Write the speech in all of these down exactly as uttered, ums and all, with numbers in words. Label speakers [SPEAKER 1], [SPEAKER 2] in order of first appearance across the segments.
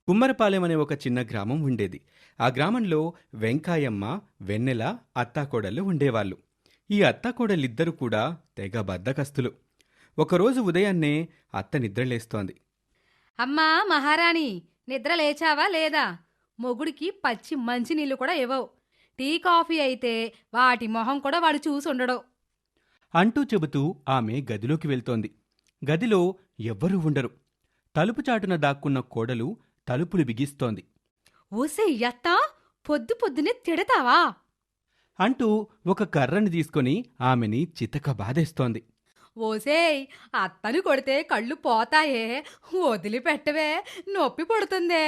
[SPEAKER 1] కుమ్మరపాలెం అనే ఒక చిన్న గ్రామం ఉండేది. ఆ గ్రామంలో వెంకాయమ్మ, వెన్నెల అత్తాకోడళ్ళు ఉండేవాళ్ళు. ఈ అత్తాకోడలిద్దరూ కూడా తెగ బద్ధకస్తులు. ఒకరోజు ఉదయాన్నే అత్త నిద్రలేస్తోంది.
[SPEAKER 2] అమ్మా మహారాణి, నిద్ర లేచావా లేదా? మొగుడికి పచ్చి మంచినీళ్ళు కూడా ఇవ్వవు. టీ కాఫీ అయితే వాటి మొహం కూడా వాడు చూసుండడు.
[SPEAKER 1] అంటూ చెబుతూ ఆమె గదిలోకి వెళ్తోంది. గదిలో ఎవ్వరూ ఉండరు. తలుపు చాటున దాక్కున్న కోడలు తలుపులు బిగిస్తోంది.
[SPEAKER 2] ఓసే యత్తా, పొద్దు పొద్దునే తిడతావా?
[SPEAKER 1] అంటూ ఒక కర్రని తీసుకొని ఆమెని చితక బాధేస్తోంది.
[SPEAKER 2] ఓసేయ్, అత్తని కొడితే కళ్ళు పోతాయే, వదిలిపెట్టవే, నొప్పి పుడుతుందే.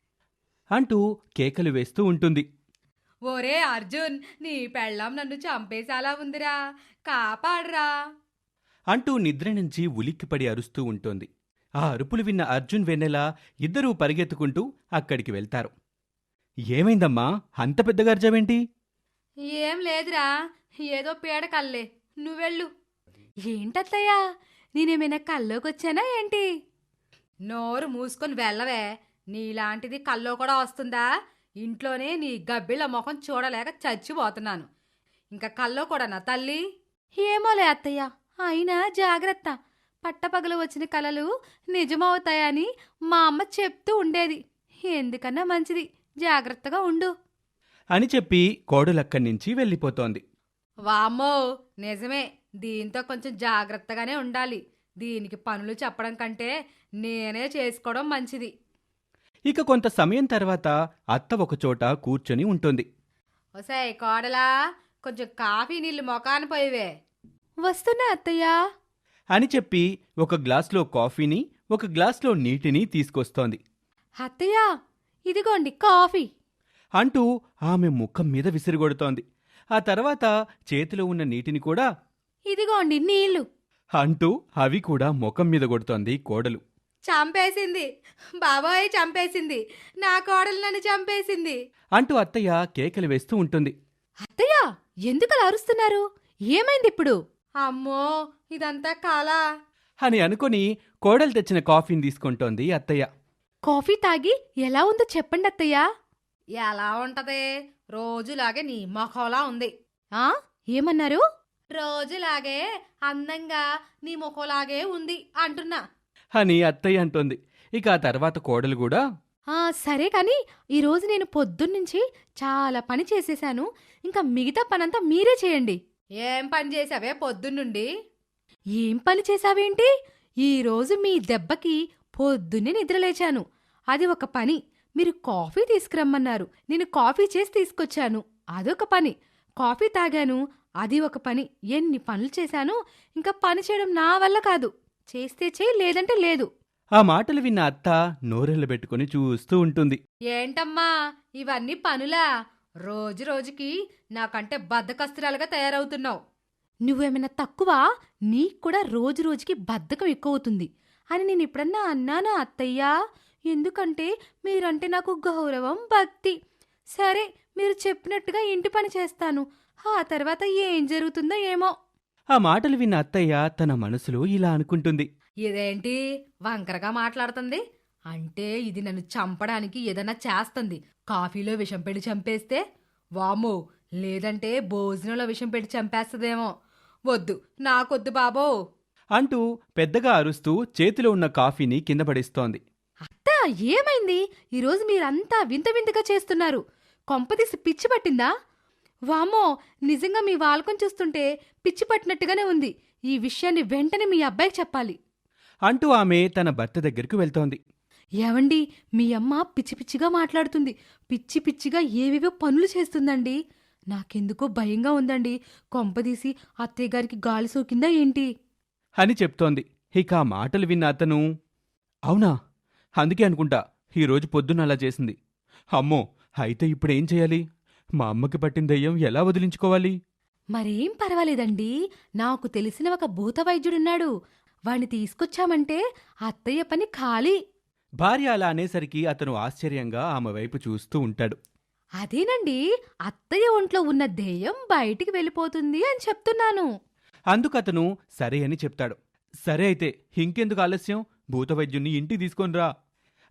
[SPEAKER 1] అంటూ కేకలు వేస్తూ ఉంటుంది.
[SPEAKER 2] ఓరే అర్జున్, నీ పెళ్ళాం నన్ను చంపేసేలా ఉందిరా, కాపాడ్రా.
[SPEAKER 1] అంటూ నిద్ర నుంచి ఉలిక్కిపడి అరుస్తూ ఉంటుంది. ఆ అరుపులు విన్న అర్జున్, వెన్నెల ఇద్దరూ పరిగెత్తుకుంటూ అక్కడికి వెళ్తారు. ఏమైందమ్మా, అంత పెద్దగా అర్జావేంటి?
[SPEAKER 2] ఏం లేదురా, ఏదో పీడ కల్లే, నువ్వెళ్ళు. ఏంటత్తయ్యా, నేనేమైనా కల్లోకొచ్చానా ఏంటి? నోరు మూసుకొని వెళ్ళవే, నీలాంటిది కల్లో కూడా వస్తుందా? ఇంట్లోనే నీ గబ్బిళ్ళ మొహం చూడలేక చచ్చిపోతున్నాను, ఇంకా కల్లో కూడానా తల్లి? ఏమోలే అత్తయ్య, అయినా జాగ్రత్త, పట్టపగలు వచ్చిన కలలు నిజమవుతాయని మా అమ్మ చెప్తూ ఉండేది. ఎందుకన్నా మంచిది, జాగ్రత్తగా ఉండు
[SPEAKER 1] అని చెప్పి కోడలక్కడి నుంచి వెళ్ళిపోతోంది.
[SPEAKER 2] వామ్మో, నిజమే, దీంతో కొంచెం జాగ్రత్తగానే ఉండాలి. దీనికి పనులు చెప్పడం కంటే నేనే చేసుకోవడం మంచిది.
[SPEAKER 1] ఇక కొంత సమయం తర్వాత అత్త ఒకచోట కూర్చొని ఉంటుంది.
[SPEAKER 2] ఒసేయ్ కోడలా, కొంచెం కాఫీ నీళ్ళు మొకాన పోయివే. వస్తున్నా అత్తయ్యా
[SPEAKER 1] అని చెప్పి ఒక గ్లాస్లో కాఫీని, ఒక గ్లాస్లో నీటిని తీసుకొస్తోంది.
[SPEAKER 2] అత్తయ్యా, ఇదిగోండి కాఫీ.
[SPEAKER 1] అంటూ ఆమె ముఖం మీద విసిరిగొడుతోంది. ఆ తర్వాత చేతిలో ఉన్న నీటిని కూడా
[SPEAKER 2] ఇదిగోండి నీళ్లు.
[SPEAKER 1] అంటూ అవి కూడా ముఖం మీద కొడుతోంది కోడలు.
[SPEAKER 2] చంపేసింది బాబోయ్, చంపేసింది, నా కోడలు నన్ను చంపేసింది
[SPEAKER 1] అంటూ అత్తయ్య కేకలు వేస్తూ ఉంటుంది.
[SPEAKER 2] అత్తయ్య, ఎందుకలా అరుస్తున్నారు? ఏమైంది ఇప్పుడు? అమ్మో, ఇదంతా కాలా
[SPEAKER 1] అని అనుకుని కోడలు తెచ్చిన కాఫీని తీసుకుంటోంది అత్తయ్య.
[SPEAKER 2] కాఫీ తాగి ఎలా ఉందో చెప్పండి అత్తయ్యా. ఎలా ఉంటదే, రోజులాగే నీ ముఖంలా ఉంది. ఆ ఏమన్నారు? రోజులాగే అందంగా నీ ముఖంలాగే ఉంది అంటున్నా
[SPEAKER 1] అని అత్తయ్య అంటోంది. ఇక ఆ తర్వాత కోడలు కూడా,
[SPEAKER 2] ఆ సరే కాని ఈరోజు నేను పొద్దున్నుంచి చాలా పని చేసేశాను, ఇంకా మిగతా పనంతా మీరే చేయండి. ఏం పని చేసావే పొద్దున్నుండి? ఏం పని చేశావేంటి? ఈరోజు మీ దెబ్బకి పొద్దున్నే నిద్రలేచాను, అది ఒక పని. మీరు కాఫీ తీసుకురమ్మన్నారు, నేను కాఫీ చేసి తీసుకొచ్చాను, అదొక పని. కాఫీ తాగాను, అది ఒక పని. ఎన్ని పనులు చేశాను, ఇంకా పని చేయడం నా వల్ల కాదు. చేస్తే చేయి, లేదంటే లేదు.
[SPEAKER 1] ఆ మాటలు విన్న అత్త నోరెళ్లు పెట్టుకుని చూస్తూ ఉంటుంది.
[SPEAKER 2] ఏంటమ్మా ఇవన్నీ పనులా? రోజు రోజుకి నాకంటే బద్ధకస్తురాలుగా తయారవుతున్నావు. నువ్వేమైనా తక్కువ? నీకు కూడా రోజు రోజుకి బద్ధకం ఎక్కువవుతుంది అని నేను ఎప్పుడన్నా అన్నానా అత్తయ్యా? ఎందుకంటే మీరంటే నాకు గౌరవం, భక్తి. సరే, మీరు చెప్పినట్టుగా ఇంటి పని చేస్తాను, ఆ తర్వాత ఏం జరుగుతుందో ఏమో.
[SPEAKER 1] ఆ మాటలు విన్న అత్తయ్య తన మనసులో ఇలా అనుకుంటుంది.
[SPEAKER 2] ఇదేంటి వంకరగా మాట్లాడుతుంది? అంటే ఇది నన్ను చంపడానికి ఏదైనా చేస్తుంది. కాఫీలో విషం పెట్టి చంపేస్తే? వామ్మో, లేదంటే భోజనంలో విషం పెట్టి చంపేస్తుందేమో. వద్దు, నాకొద్దు బాబో
[SPEAKER 1] అంటూ పెద్దగా అరుస్తూ చేతిలో ఉన్న కాఫీని కింద పడేస్తోంది.
[SPEAKER 2] అత్త, ఏమైంది? ఈరోజు మీరంతా వింత వింతగా చేస్తున్నారు. కొంపదీసి పిచ్చి పట్టిందా? వామ్మో, నిజంగా మీ వాలకం చూస్తుంటే పిచ్చి పట్టినట్టుగానే ఉంది. ఈ విషయాన్ని వెంటనే మీ అబ్బాయికి చెప్పాలి
[SPEAKER 1] అంటూ ఆమె తన భర్త దగ్గరకు వెళ్తోంది.
[SPEAKER 2] ఏవండి, మీ అమ్మ పిచ్చి పిచ్చిగా మాట్లాడుతుంది, పిచ్చి పిచ్చిగా ఏవేవో పనులు చేస్తుందండి. నాకెందుకో భయంగా ఉందండి. కొంపదీసి అత్తయ్య గారికి గాలి సోకిందా ఏంటి
[SPEAKER 1] అని చెప్తోంది. ఇక ఆ మాటలు విన్న అతను, అవునా, అందుకే అనుకుంటా ఈరోజు పొద్దున్న అలా చేసింది. అమ్మో, అయితే ఇప్పుడేం చేయాలి? మా అమ్మకి పట్టిన దయ్యం ఎలా వదిలించుకోవాలి?
[SPEAKER 2] మరేం పర్వాలేదండి, నాకు తెలిసిన ఒక భూత వైద్యుడున్నాడు, వాణ్ణి తీసుకొచ్చామంటే అత్తయ్య పని ఖాళీ.
[SPEAKER 1] భార్య అలా అనేసరికి అతను ఆశ్చర్యంగా ఆమె వైపు చూస్తూ ఉంటాడు.
[SPEAKER 2] అదేనండి, అత్తయ్య ఒంట్లో ఉన్న దెయ్యం బయటికి వెళ్ళిపోతుంది అని చెప్తున్నాను.
[SPEAKER 1] అందుకతను సరే అని చెప్తాడు. సరే అయితే ఇంకెందుకు ఆలస్యం, భూతవైద్యుణ్ణి ఇంటికి తీసుకొనిరా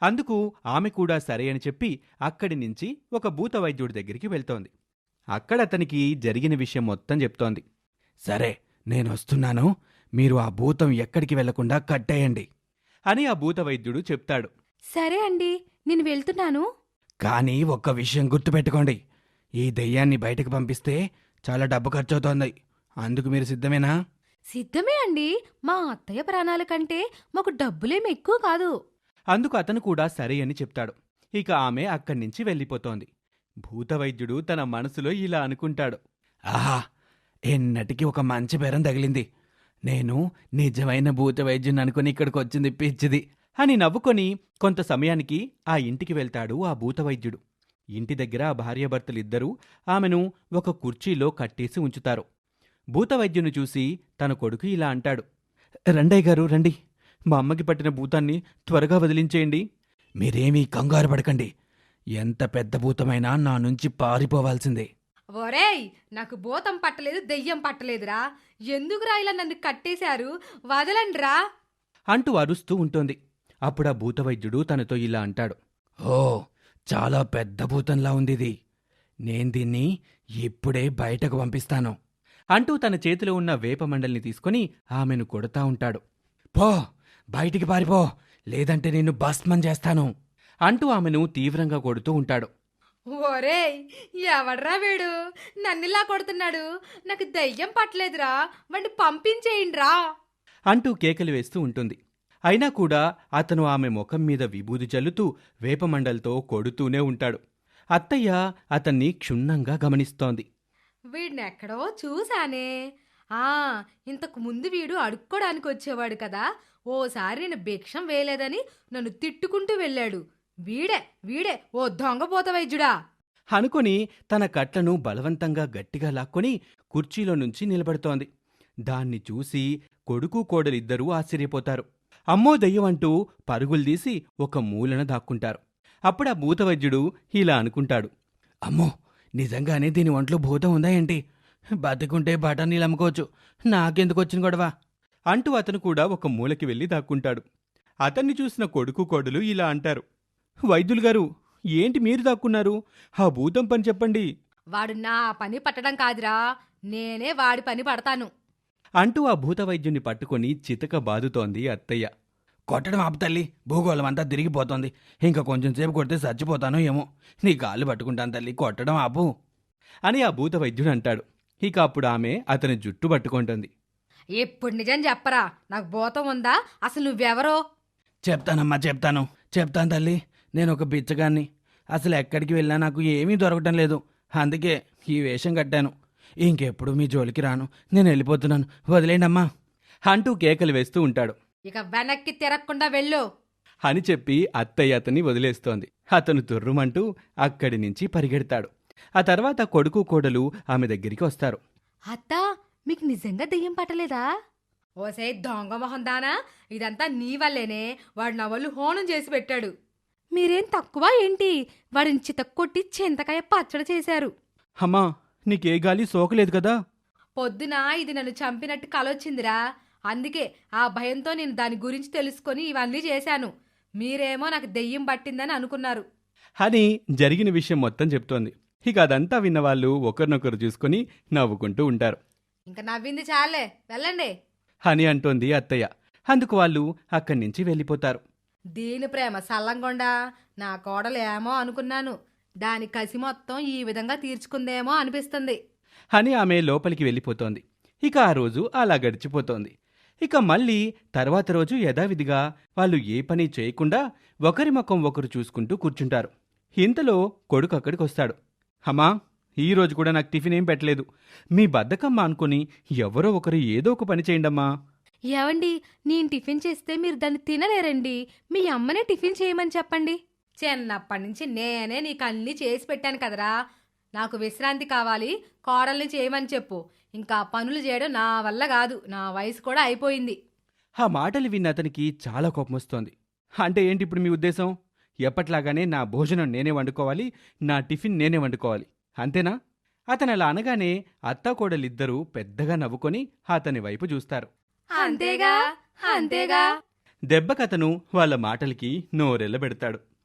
[SPEAKER 1] అందుకు ఆమె కూడా సరే అని చెప్పి అక్కడి నుంచి ఒక భూత వైద్యుడి దగ్గరికి వెళ్తోంది. అక్కడ అతనికి జరిగిన విషయం మొత్తం చెప్తోంది. సరే, నేనొస్తున్నాను, మీరు ఆ భూతం ఎక్కడికి వెళ్లకుండా కట్టేయండి అని ఆ భూత వైద్యుడు చెప్తాడు.
[SPEAKER 2] సరే అండి, నేను వెళ్తున్నాను.
[SPEAKER 1] కానీ ఒక్క విషయం గుర్తుపెట్టుకోండి, ఈ దెయ్యాన్ని బయటకు పంపిస్తే చాలా డబ్బు ఖర్చవుతోంది. అందుకు మీరు సిద్ధమేనా?
[SPEAKER 2] సిద్ధమే అండి. మా అత్తయ్య ప్రాణాల కంటే మాకు డబ్బులేం ఎక్కువ కాదు.
[SPEAKER 1] అందుకు అతను కూడా సరే అని చెప్తాడు. ఇక ఆమె అక్కడి నుంచి వెళ్ళిపోతోంది. భూతవైద్యుడు తన మనసులో ఇలా అనుకుంటాడు. ఆహా, ఎన్నటికి ఒక మంచి బేరం తగిలింది. నేను నిజమైన భూతవైద్యుని అనుకుని ఇక్కడికి వచ్చింది పిచ్చిది అని నవ్వుకొని కొంత సమయానికి ఆ ఇంటికి వెళ్తాడు ఆ భూతవైద్యుడు. ఇంటి దగ్గర ఆ భార్యాభర్తలిద్దరూ ఆమెను ఒక కుర్చీలో కట్టేసి ఉంచుతారు. భూతవైద్యుని చూసి తన కొడుకు ఇలా అంటాడు. రండయ్య గారు, రండి. మా అమ్మకి పట్టిన భూతాన్ని త్వరగా వదిలించేయండి. మీరేమీ కంగారు పడకండి. ఎంత పెద్ద భూతమైనా నా నుంచి పారిపోవాల్సిందే.
[SPEAKER 2] ఒరేయ్, నాకు భూతం పట్టలేదు, దెయ్యం పట్టలేదురా. ఎందుకురా ఇలా నన్ను కట్టేశారు? వదలండ్రా
[SPEAKER 1] అంటూ అరుస్తూ ఉంటుంది. అప్పుడా భూతవైద్యుడు తనతో ఇలా అంటాడు. ఓ, చాలా పెద్ద భూతంలా ఉందిది. నేను దీన్ని ఇప్పుడే బయటకు పంపిస్తాను అంటూ తన చేతిలో ఉన్న వేపమండల్ని తీసుకుని ఆమెను కొడతా ఉంటాడు. పో, బయటికి పారిపో, లేదంటే నిన్ను భస్మం చేస్తాను అంటూ ఆమెను తీవ్రంగా కొడుతూ ఉంటాడు.
[SPEAKER 2] ఒరేయ్, ఎవడ్రా వీడు నన్నిలా కొడుతున్నాడు? నాకు దెయ్యం పట్టలేదురా, వాణ్ణి పంపించేయండ్రా
[SPEAKER 1] అంటూ కేకలు వేస్తూ ఉంటుంది. అయినా కూడా అతను ఆమె ముఖం మీద విభూది చల్లుతూ వేపమండలతో కొడుతూనే ఉంటాడు. అత్తయ్య అతన్ని క్షుణ్ణంగా గమనిస్తోంది.
[SPEAKER 2] వీడినెక్కడో చూశానే. ఆ ఇంతకు ముందు వీడు అడుక్కోడానికి వచ్చేవాడు కదా. ఓసారి నేను భిక్షం వేయలేదని నన్ను తిట్టుకుంటూ వెళ్ళాడు. వీడే వీడే ఓ దొంగపోత వైద్యుడా
[SPEAKER 1] అనుకొని తన కట్లను బలవంతంగా గట్టిగా లాక్కొని కుర్చీలో నుంచి నిలబడుతోంది. దాన్ని చూసి కొడుకు కోడలిద్దరూ ఆశ్చర్యపోతారు. అమ్మో దెయ్యం అంటూ పరుగులు తీసి ఒక మూలన దాక్కుంటారు. అప్పుడా భూతవైద్యుడు ఇలా అనుకుంటాడు. అమ్మో, నిజంగానే దీని ఒంట్లో భూతం ఉందా ఏంటి? బతికుంటే బఠానీలు అమ్ముకోవచ్చు, నాకెందుకు వచ్చిన గొడవ అంటూ అతను కూడా ఒక మూలకి వెళ్ళి దాక్కుంటాడు. అతన్ని చూసిన కొడుకు కోడలు ఇలా అంటారు. వైద్యులు గారు, ఏంటి మీరు దాక్కున్నారు? ఆ భూతం పని చెప్పండి
[SPEAKER 2] వాడు నా పని పట్టడం కాదురా, నేనే వాడి పని పడతాను
[SPEAKER 1] అంటూ ఆ భూతవైద్యుని పట్టుకొని చితక బాదుతోంది అత్తయ్య. కొట్టడం ఆపు తల్లి, భూగోళం అంతా తిరిగిపోతోంది. ఇంకా కొంచెం సేపు కొడితే చచ్చిపోతానో ఏమో. నీ కాళ్ళు పట్టుకుంటాను తల్లి, కొట్టడం ఆపు అని ఆ భూతవైద్యుడు అంటాడు. ఇక అప్పుడు ఆమె అతని జుట్టు పట్టుకుంటుంది.
[SPEAKER 2] ఇప్పుడు నిజం చెప్పరా, నాకు భూతం ఉందా? అసలు నువ్వెవరో?
[SPEAKER 1] చెప్తానమ్మా, చెప్తాను చెప్తాను తల్లి. నేను ఒక బిచ్చగాన్ని. అసలు ఎక్కడికి వెళ్ళినా నాకు ఏమీ దొరకటం లేదు. అందుకే ఈ వేషం కట్టాను. ఇంకెప్పుడు మీ జోలికి రాను, నేను వెళ్ళిపోతున్నాను, వదిలేండమ్మా అంటూ కేకలు వేస్తూ ఉంటాడు.
[SPEAKER 2] ఇక వెనక్కి తిరగకుండా వెళ్ళు
[SPEAKER 1] అని చెప్పి అత్తయ్య అతన్ని వదిలేస్తోంది. అతను తుర్రుమంటూ అక్కడి నుంచి పరిగెడతాడు. ఆ తర్వాత కొడుకు కోడలు ఆమె దగ్గరికి వస్తారు.
[SPEAKER 2] అత్తా, మీకు నిజంగా దెయ్యం పట్టలేదా? ఓసే దొంగ మొహం దానా, ఇదంతా నీ వల్లేనే. వాడు నా వాళ్ళు హోనం చేసి పెట్టాడు. మీరేం తక్కువ ఏంటి? వాడిని చితక్కొట్టి చింతకాయ పచ్చడి చేశారు.
[SPEAKER 1] అమ్మా, నీకే గాలి సోకలేదు కదా?
[SPEAKER 2] పొద్దున ఇది నన్ను చంపినట్టు కలొచ్చిందిరా. అందుకే ఆ భయంతో నేను దాని గురించి తెలుసుకొని ఇవన్నీ చేశాను. మీరేమో నాకు దెయ్యం పట్టిందని అనుకున్నారు
[SPEAKER 1] అని జరిగిన విషయం మొత్తం చెప్తోంది. ఇక అదంతా విన్నవాళ్ళు ఒకరినొకరు చూసుకుని నవ్వుకుంటూ ఉంటారు.
[SPEAKER 2] ఇంకా నవ్వింది చాలే, వెళ్ళండి
[SPEAKER 1] అని అంటోంది అత్తయ్య. అందుకు వాళ్ళు అక్కడి నుంచి వెళ్ళిపోతారు.
[SPEAKER 2] దీని ప్రేమ సల్లంగొండా, నా కోడలు ఏమో అనుకున్నాను. దాని కసి మొత్తం ఈ విధంగా తీర్చుకుందేమో అనిపిస్తుంది
[SPEAKER 1] అని ఆమె లోపలికి వెళ్ళిపోతోంది. ఇక ఆ రోజు అలా గడిచిపోతోంది. ఇక మళ్ళీ తర్వాత రోజు యథావిధిగా వాళ్ళు ఏ పని చేయకుండా ఒకరి ముఖం ఒకరు చూసుకుంటూ కూర్చుంటారు. ఇంతలో కొడుకు అక్కడికి వస్తాడు. అమ్మా, ఈరోజు కూడా నాకు టిఫిన్ ఏం పెట్టలేదు. మీ బద్దకమ్మ అనుకుని ఎవరో ఒకరు ఏదో ఒక పని చేయండమ్మా.
[SPEAKER 2] ఏవండి, నేను టిఫిన్ చేస్తే మీరు దాన్ని తినలేరండి. మీ అమ్మనే టిఫిన్ చేయమని చెప్పండి. చిన్నప్పటి నుంచి నేనే నీకు అన్నీ చేసి పెట్టాను కదరా. నాకు విశ్రాంతి కావాలి, కోడల్ని చేయమని చెప్పు. ఇంకా పనులు చేయడం నా వల్ల కాదు, నా వయసు కూడా అయిపోయింది.
[SPEAKER 1] ఆ మాటలు విన్న అతనికి చాలా కోపం వస్తోంది. అంటే ఏంటి ఇప్పుడు మీ ఉద్దేశం? ఎప్పట్లాగానే నా భోజనం నేనే వండుకోవాలి, నా టిఫిన్ నేనే వండుకోవాలి, అంతేనా? అతను అలా అనగానే అత్తాకోడలిద్దరూ పెద్దగా నవ్వుకొని అతని వైపు చూస్తారు.
[SPEAKER 2] అంతేగా అంతేగా
[SPEAKER 1] దెబ్బకతను వాళ్ళ మాటలకి నోరెళ్ళబెడతాడు.